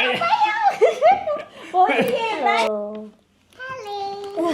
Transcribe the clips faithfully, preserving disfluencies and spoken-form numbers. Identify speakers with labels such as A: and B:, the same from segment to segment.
A: ဘောကြီးရဲ့ဟယ်လို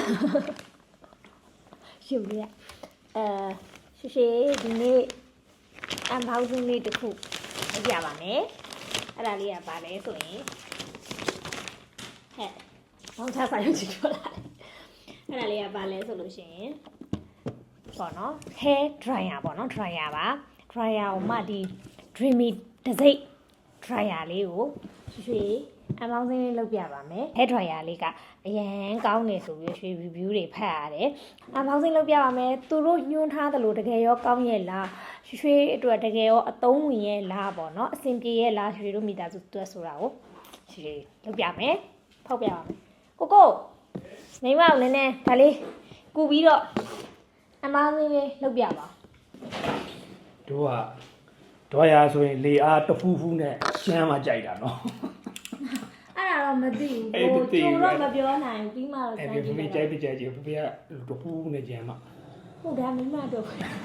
A: ရှင်ရအဲရှိရှိဒီနေ့အမ်ဘောင်းစုလေးတစ်ခုပြပါမယ်အဲ့ဒါလေးကပါလဲဆိုရင်ဟဲ့ဘောင်းချဆိုင်ရုပ်ကြည့်ထွက်လာတယ်အဲ့ဒါလေးကပါလဲဆိုလို့ရှိရင်ပေါ့နော် hair dryer ပေါ့နော် dryer ပါ dryer ကိုမှဒီ dreamy တစိ့ dryer လေးကိုရွှေအမောင်းစင်းလေးလုပ်ပြပါမယ် hair dryer လေးကအရန်ကောင်းနေဆိုပြီးရွှေ review တွေဖတ်ရတယ်အမောင်းစင်းလုပ်ပြပါမယ်သူတို့ညွှန်းထားသလိုတကယ်ရောကောင်းရဲ့လားရွှေအတွက်တကယ်ရောအသုံးဝင်ရဲ့လားပေါ့နော်အဆင်ပြေရဲ့လားရွှေတို့မိသားစုတွက်ဆိုတာကိုရွှေလုပ်ပြမယ်ဖောက်ပြပါမယ်ကိုကိုမိမအောင်နည်းနည်းဒါလေးကူပြီးတော့အမောင်းစင်းလေးလုပ်ပြပါ
B: တို့ကဒေါ်ရဆိုရင်လေအားတဖူးဖူးနဲ့ရှမ်းမှကြိုက်တာနော်
A: အဲ့ဒါတော့မသိဘူးကိုကျုံတော့မပြောနိုင်ဘူးပြီးမှတော့
B: အဲ့ဒီဖေကြိုက်ပြကြကြီးဖေဖေကတဖူးနဲ့ကြမ်းမှ
A: ဟုတ်တယ်မိမတော့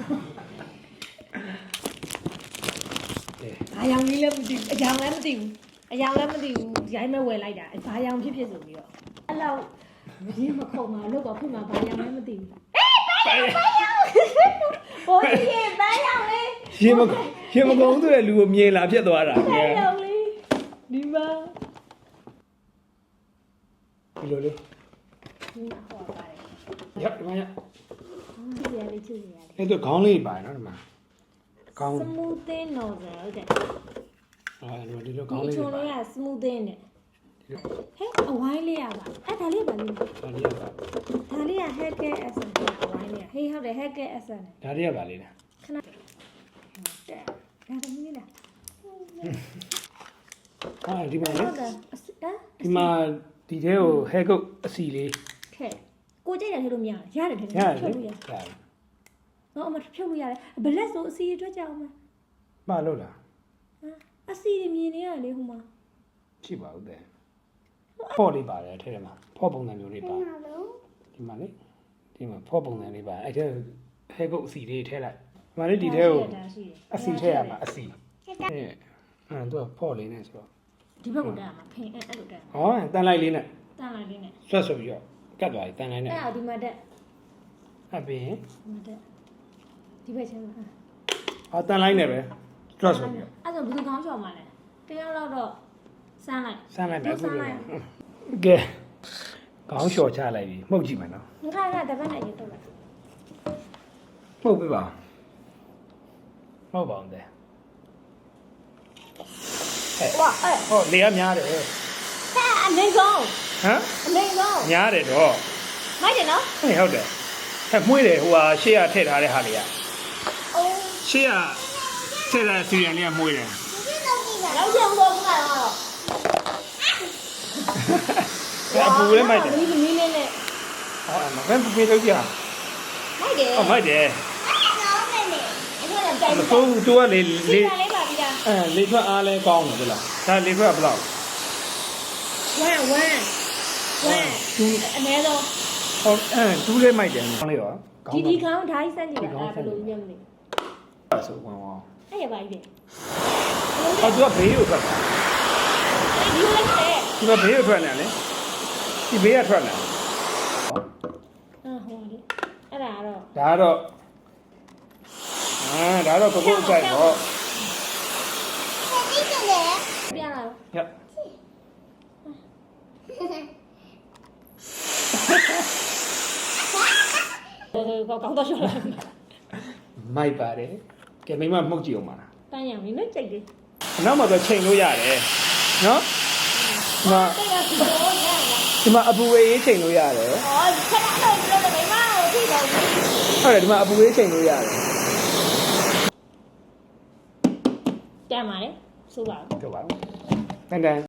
A: အယောင်လေးလည်းမသိဘူးအယောင်လည်းမသိဘူးအယောင်လည်းမသိဘူးရိုင်းမဲ့ဝယ်လိုက်တာဘာယောင်ဖြစ်ဖြစ်ဆိုပြီးတော့အဲ့လောက်ရင်းမခုံမှာလို့ပေါ့ခုမှဘာယောင်လည်းမသိဘူးအေးဘာယောင်ဘာယောင်ဘိုးကြီးရဲ့ဘာယောင်လေး
B: ရင်မရင်မကုန်းတဲ့လူကိုမြင်လာဖြစ်သွားတာ
A: ဘာယောင်လေးဒီမှာ
B: ဒီလိုလေး
A: ဒီမှာဟောပါတယ်
B: ရဒီမှာရ
A: ချစ်ရလေးချစ်ရလေး
B: အဲ့တော့ခေါင်းလေးပါနော်ဒီမှာခေါင်း
A: smoothing nozzle ဟုတ်တယ်
B: အဲ့ဒီလိုခေါင်းလေး
A: ဒီချုံလေးက smoothing နဲ့ဟဲ့အဝိုင်းလေးရပါအဲ့ဒါလေးပါလေး
B: ဒါလေးပါ
A: ဒါလေးက hair care essence အဝိုင်းလေးဟေးဟုတ်တယ် hair care essence
B: ဒါလေးကပါလေးလား
A: ခဏတဲ့ဒါတမီးလား
B: ဟာဒီမှာလေ
A: ဟုတ်တယ်
B: ဒီမှာဒီထဲကို hair coat အစီလေး
A: ခဲကိုကြိုက်တယ်ထည့်လို့မရရတယ်ရတယ်ထည့်
B: လို့ရတယ်ရတယ်
A: နော်အမဖြုတ်လို့ရတယ်ဘလက်ဆိုအစီအတွက်ကြအောင်မ
B: ပါလို့လား
A: အစီမြင်နေရလေဟိုမှာ
B: ရှိပါဦးတဲ့ဖော့လေးပါတယ်ထဲထဲမှာဖော့ပုံစံမျိုးလေးပါဒီမှာလေဒီမှာဖော့ပုံစံလေးပါအဲ့ထဲ hair coat အစီလေးထည့်လိုက်ဒီမှာလေဒီထဲကိုအစီထည့်ရမှာအစီအဲ့အဲ့တော့ဖော့လေးနဲ့ဆိုတော့
A: ဒီဘက်ကိုတက်ရမှာဖင်အဲ့အဲ့လိုတက်
B: ဟောတန်လိုက်လေးနဲ့
A: တန်လိုက်လေးနဲ့
B: ဆွတ်ဆိုပြီးတော့ကတ်သွားပြီတန်လိုက်နဲ့
A: အဲ့ဒါဒီမှာတက်
B: အပြင်
A: ဒီမှာတက်ဒီဘက်ချင်းမှာ
B: ဟာတန်လိုက်နဲ့ပဲဆွတ်ဆိုပြီးတော့
A: အဲ့ဒါဘယ်သူကောင်းချော်မှာလဲတယောက်တော့စမ်းလိုက်
B: စမ်းလိုက်မယ်အခုလိုကဲခေါင်းလျှော်ချလိုက်ပြီမှုတ်ကြည့်မယ်နော်
A: ငါကတပတ်နဲ့ရေတော့လိုက်
B: မှုတ်ပြပါမှုတ်ပါအောင်တဲ့
A: ဝါအဲ့
B: ဟောလေကများတယ်ဟဲ့
A: အမေဆုံး
B: ဟမ်
A: အမေဆုံး
B: များတယ်တော့
A: မိုက်တယ်နော်
B: ဟဲ့ဟုတ်တယ်ဟဲ့မွေးတယ်ဟိုဟာရှေ့ကထည့်ထားတဲ့ဟာလေးက
A: အိုး
B: ရှေ့ကထည့်ထားတဲ့စီရန်လေးကမွေးတယ်
A: လောက်ချင်တော့ဘူးကတော့
B: အပူလေးမိုက်တယ်
A: ဒီမီးလေးနဲ့
B: ဟောမကန်ပူပေးလို့ကြာ
A: မိုက်တယ်
B: ဟောမိုက်တယ်
A: အဲ့ဒါ
B: တော့တူကလေလေ
A: လေးပါပြီလား
B: အဲလေထွက်အားလဲကောင်းတယ်လားဒါလေထွက်ဘယ်လောက်
A: ဝမ်ဝမ်ဝမ်
B: တူ
A: အနည်းဆုံး
B: ဟောအဲတူလေးမိုက်တယ်ကောင်းလေးရော
A: ဒီဒီကောင်းဓာတ်စမ်းကြည့်တာဘယ်လိုညံ့မလဲ
B: အဲ့ဆိုဝမ်ဝမ်
A: အဲ့ရပါပြီ
B: ဟောသူကဘေးကိုထွက်တာ
A: ဒီလိုလေ
B: ဒီမှာဘေးကိုထွက်နေတယ်လေဒီဘေးကထွက်နေ
A: အာဟောလေအဲ့ဒါတော့
B: ဒါတော့အာဒါတော့ကိုကိုအဆိုင်တော့
A: ပြန်လာ
B: ရ
A: ကောကောင်းတော့ရှော့လိုက်
B: မိုက်ပါတယ်ကဲမိမမှုတ်ကြည့်အောင်ပါလား
A: တန်းရံနေနဲ့ကြိတ်တယ်
B: နောက်မှတော့ချိန်လို့ရတယ်နော်
A: ဟာ
B: ဒီမှာအပူဝေးရေးချိန်လို့ရတယ်
A: ဟောခဏတော့ပြောတယ်မိမကိုကြည့်တော့
B: ဟုတ်တယ်ဒီမှာအပူဝေးချိန်လို့ရတယ်
A: တန်းပါလေဆိုပါ
B: တော့ပါတန်တန်